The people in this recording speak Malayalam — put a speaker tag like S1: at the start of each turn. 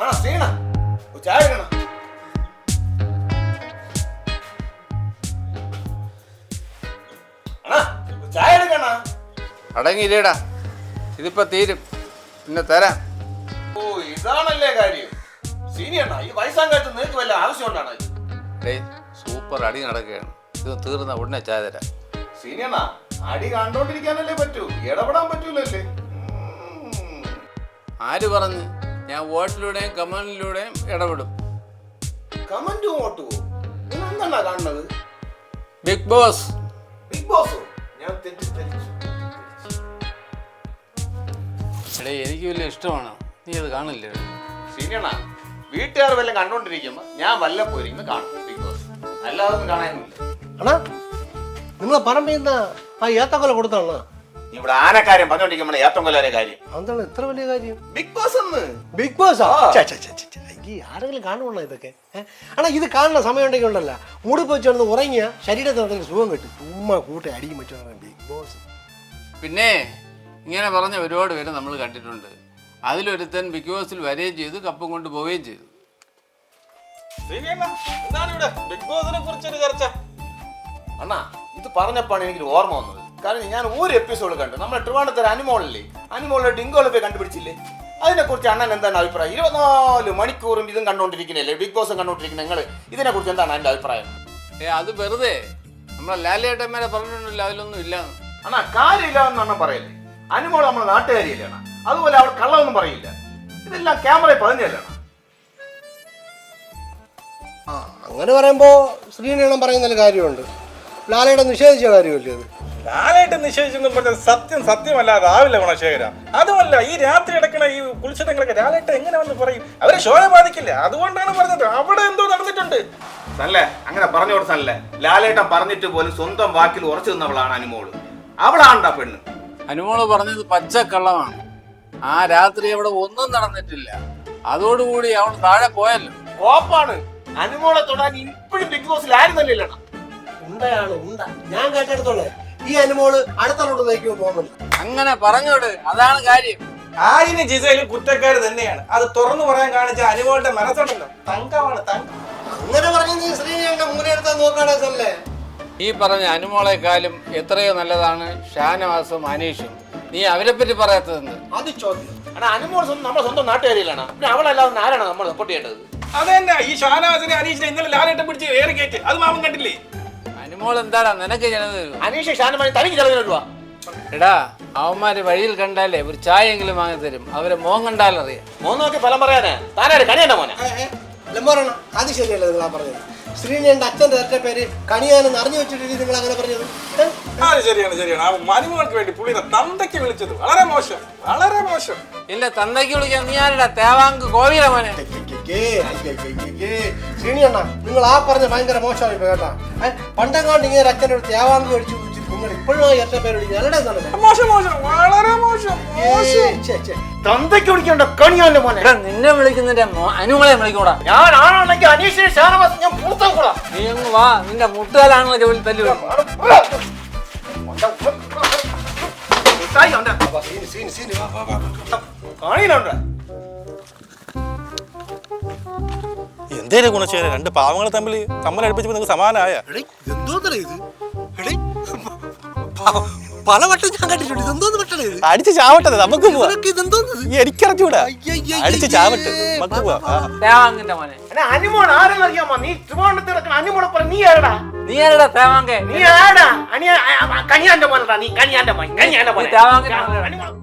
S1: അടങ്ങിയില്ലേടാ, ഇതിപ്പോ തീരും, പിന്നെ തരാം.
S2: ഓ ഇതാണല്ലേ കാര്യം. സീനിയണ്ണ ഈ വയസ്സാങ്കാലത്ത് നിനക്ക് വല്ല ആവശ്യമുണ്ടാണ്?
S1: സൂപ്പർ അടി നടക്കുകയാണ്, ഇത് തീർന്ന ഉടനെ ചായ തരാം.
S2: സീനിയണ്ണ അടി കണ്ടോണ്ടിരിക്കാനല്ലേ പറ്റൂ, ഇടപെടാൻ പറ്റൂലല്ലേ.
S1: ആര് പറഞ്ഞു? ഞാൻ വോട്ടിലൂടെയും കമന്റിലൂടെയും ഇടപെടും.
S2: കമന്റും വോട്ടുവോ? നിങ്ങൾ എന്താണ് കാണുന്നത്?
S1: Bigg Boss.
S2: ബിഗ് ബോസോ? ഞാൻ തെറ്റിദ്ധരിച്ചു.
S1: എനിക്ക് വലിയ ഇഷ്ടമാണ്, നീ അത് കാണില്ലേ?
S2: സീനിയണ്ണ വീട്ടുകാർ വല്ലതും കണ്ടോണ്ടിരിക്കുമ്പോ ഞാൻ വല്ലപ്പോയിരിക്കും കാണും ബിഗ് ബോസ്, അല്ലാതെ ഒന്നും കാണാനില്ല.
S3: അണ്ണാ നിങ്ങളെ പറമ്പിൽ ആ ഏത്തക്കൊല കൊടുത്താണോ?
S2: ഇവിടെ ആനക്കാര്യം പറഞ്ഞോണ്ടിരിക്കുമ്പോൾ ഏത്തക്കൊല്ലാരെ കാര്യം
S3: എന്താണ് ഇത്ര വലിയ കാര്യം?
S2: ബിഗ് ബോസ് എന്ന്.
S3: ബിഗ് ബോസ് ഈ ആരെങ്കിലും കാണുവാണോ ഇതൊക്കെ? ആണാ ഇത് കാണുന്ന സമയം ഉണ്ടെങ്കിൽ ഉണ്ടല്ല, മുടി വെച്ചോണ്ട് ഉറങ്ങിയ ശരീരത്തിന് സുഖം കിട്ടും. ചുമ്മാ കൂട്ടി അടിയും പറ്റുന്ന ബിഗ് ബോസ്.
S1: പിന്നെ ഇങ്ങനെ പറഞ്ഞ ഒരുപാട് പേര് നമ്മൾ കണ്ടിട്ടുണ്ട്. അതിലൊരുത്തൻ ബിഗ് ബോസിൽ വരികയും ചെയ്തു, കപ്പും കൊണ്ട് പോവുകയും ചെയ്തു.
S2: അണ്ണാ ഇത് പറഞ്ഞപ്പോഴാണ് എനിക്ക് ഓർമ്മ വന്നത്. കാരണം ഞാൻ ഒരു എപ്പിസോഡ് കണ്ടു, നമ്മുടെ ട്രിവാൻഡ്രത്തെ അനിമോളില്ലേ, അനിമോളിലെ ഡിങ്കോളെ കണ്ടുപിടിച്ചില്ലേ, അതിനെ കുറിച്ച് അണ്ണൻ എന്താണ് അഭിപ്രായം? 24 മണിക്കൂറും ഇതും കണ്ടോണ്ടിരിക്കുന്നല്ലേ, ബിഗ് ബോസും കണ്ടോണ്ടിരിക്കുന്ന നിങ്ങൾ, ഇതിനെ കുറിച്ച് എന്താണ് എൻ്റെ അഭിപ്രായം?
S1: അത് വെറുതെ നമ്മളെ ലാലേട്ടന്മാരെ പറഞ്ഞിട്ടുണ്ടല്ലോ, അതിലൊന്നും ഇല്ലാന്ന്.
S2: അണ്ണാ കാര്യമില്ല എന്ന് പറയല്ലേ. അനിമോൾ നമ്മളെ നാട്ടുകാരിയല്ലേ അണ്ണാ, അതുപോലെ അവൾ കള്ളമൊന്നും പറയില്ല. ഇതെല്ലാം ക്യാമറയിൽ പതിഞ്ഞല്ലേ അണ്ണാ.
S3: അങ്ങനെ പറയുമ്പോ ശ്രീനീളം പറയുന്നതിൽ കാര്യമുണ്ട്. ലാലേട്ടൻ നിഷേധിച്ച കാര്യമല്ലേ അത്?
S4: ലാലേട്ടൻ നിഷേധിച്ചെന്നും പറഞ്ഞാൽ സത്യമല്ലാതാവില്ല ഗുണശേഖര. അതുമല്ല, ഈ രാത്രി അടക്കണ ഈ കുളിച്ചിടങ്ങളൊക്കെ ലാലേട്ടൻ എങ്ങനെ വന്ന് പറയും? അവരെ ഷോയെ ബാധിക്കില്ല, അതുകൊണ്ടാണ് പറഞ്ഞത്. അവിടെ എന്തോ നടന്നിട്ടുണ്ട്.
S2: നല്ലേ അങ്ങനെ പറഞ്ഞു കൊടുത്തല്ലേ. ലാലേട്ടൻ പറഞ്ഞിട്ട് പോലും സ്വന്തം വാക്കിൽ ഉറച്ചു നിന്നവളാണ് അനിമോള്. അവളാണ്ടാ പെണ്ണ്.
S1: അനുമോള് പറഞ്ഞത് പച്ചക്കള്ളമാണ്. ആ രാത്രി അവിടെ ഒന്നും നടന്നിട്ടില്ല. അതോടുകൂടി അവൾ താഴെ പോയല്ലോ.
S2: കോപ്പാണ്. അനുമോളെ തൊടാൻ ഇപ്പോഴും ബിഗ് ബോസിൽ ആയിരുന്നല്ലേ.
S3: ഉണ്ടയാണ് ഉണ്ട. ഞാൻ കേട്ടെടുത്തോളെ ഈ അനുമോള് അടുത്തോട്ട് നയിക്കുമോ തോന്നുന്നു.
S1: അങ്ങനെ പറഞ്ഞോട്, അതാണ് കാര്യം.
S4: ആയിന് ജിസയിലും കുറ്റക്കാര് തന്നെയാണ്. അത് തുറന്നു പറയാൻ കാണിച്ച അനുമോളുടെ മനസ്സുണ്ടല്ലോ, തങ്കമാണ് തങ്കം.
S3: അങ്ങനെ പറഞ്ഞ നീ ശ്രീനീളന്റെ മുന്നെടുത്താൽ നോക്കാടല്ലേ.
S1: ഈ പറഞ്ഞ അനുമോളെക്കാളും എത്രയോ നല്ലതാണ് ഷാനവാസും അനീഷും. നീ അവരെ പറ്റി പറയാത്തതെന്ന്?
S3: അത് ചോദ്യം.
S2: അനുമോൾ നമ്മുടെ സ്വന്തം നാട്ടുകാരിയിലാണ്. പിന്നെ അവളല്ലാതെ ആരാണ് നമ്മൾ സപ്പോർട്ട് ചെയ്യേണ്ടത്?
S4: അത് തന്നെ. ഈ ഷാനവാസിനെ അനീഷിനെ ഇന്നലെ ലാലേട്ടൻ പിടിച്ച് ഏറി കയറ്റി, അത് മാമൻ കണ്ടില്ലേ?
S1: അനുമോൾ എന്താടാ നിനക്ക് ജനത തരുമോ?
S2: അനീഷ് ഷാനവാസി തനിക്ക് ചെലവിനുവാ.
S1: എടാ അവന്മാര് വഴിയിൽ കണ്ടാലേ ഒരു ചായയെങ്കിലും വാങ്ങി തരും. അവരെ മോൻ കണ്ടാലറിയാം.
S2: മോൻ നോക്കി ഫലം പറയാനേ താനാര് കണിയണ്ട മോനെ?
S3: അത് ശരിയല്ല നിങ്ങളാ പറഞ്ഞത്. ശ്രീനീളന്റെ അച്ഛന്റെ ഒറ്റ പേര് കണിയാനെന്ന് അറിഞ്ഞു വെച്ചിട്ട് നിങ്ങൾ അങ്ങനെ പറഞ്ഞത്?
S4: അത് ശരിയാണ് ശരിയാണ്. ആ മനുമോൾക്ക് വേണ്ടി പുള്ളിയുടെ തന്തയ്ക്ക് വിളിച്ചത് വളരെ മോശം, വളരെ മോശം.
S1: ഇല്ല, തന്തയ്ക്ക് വിളിക്കാൻ നീ ആരുടെ? തേവാങ്ക് കോവില മോനെ.
S3: ശ്രീനിയണ്ണ നിങ്ങൾ ആ പറഞ്ഞ ഭയങ്കര മോശമായി കേട്ടാ. പണ്ടെങ്ങാണ്ട് ഇങ്ങനെ അച്ഛൻ്റെ അടുത്ത് തേവാങ്ക് മേടിച്ചു നിങ്ങൾ ഇപ്പോഴും ഒറ്റ പേര് വിളിക്കുന്നത്
S4: മോശം മോശം, വളരെ മോശം.
S2: തന്തയ്ക്ക് വിളിക്കണ്ട കണിയാന്റെ മോനെ.
S1: നിന്നെ വിളിക്കുന്നതിന്റെ അനുമോളെ വിളിക്കൂടാ.
S2: ഞാൻ ആണെങ്കിൽ അനീഷിനെ ഷാനവാസ് ഞാൻ പൂർത്താൻ കൂടാ.
S1: നീ അങ്ങ് വാ, നിന്റെ മുട്ടുകാലാണല്ലോ ജോലി തല്ലു.
S4: എന്തേലും ഗുണശേഖര, രണ്ട് പാവങ്ങൾ തമ്മിൽ തമ്മിലടുപ്പിച്ചപ്പോ നിങ്ങൾക്ക് സമാനമായ
S3: എന്തോന്നല്ലേ ഇത്? പലവട്ടം ഞാൻ കണ്ടിട്ടുണ്ട്. ഇതെന്തോന്ന് പെട്ടത്?
S4: അടിച്ച് ചാവട്ടെ, നമുക്ക് എനിക്കറിഞ്ഞൂടാ. അടിച്ച് ചാവട്ടെ, നമുക്ക്
S1: തേവാങ്കിന്റെ മോനെ.
S2: അനിമോൾ ആരെന്നറിയാമോ? നീ ട്രിവാൻഡ്രത്ത് കിടക്കണ അനിമോളെ പറ. നീ ആരടാ?
S1: നീ ആരടാ തേവാങ്കെ?
S2: നീ ആരാ? കണിയാന്റെ മോനടാ. നീ കണിയാന്റെ മോൻ, കണിയാന്റെ മോൻ.
S1: തേവാങ്കിന്റെ മോനെ.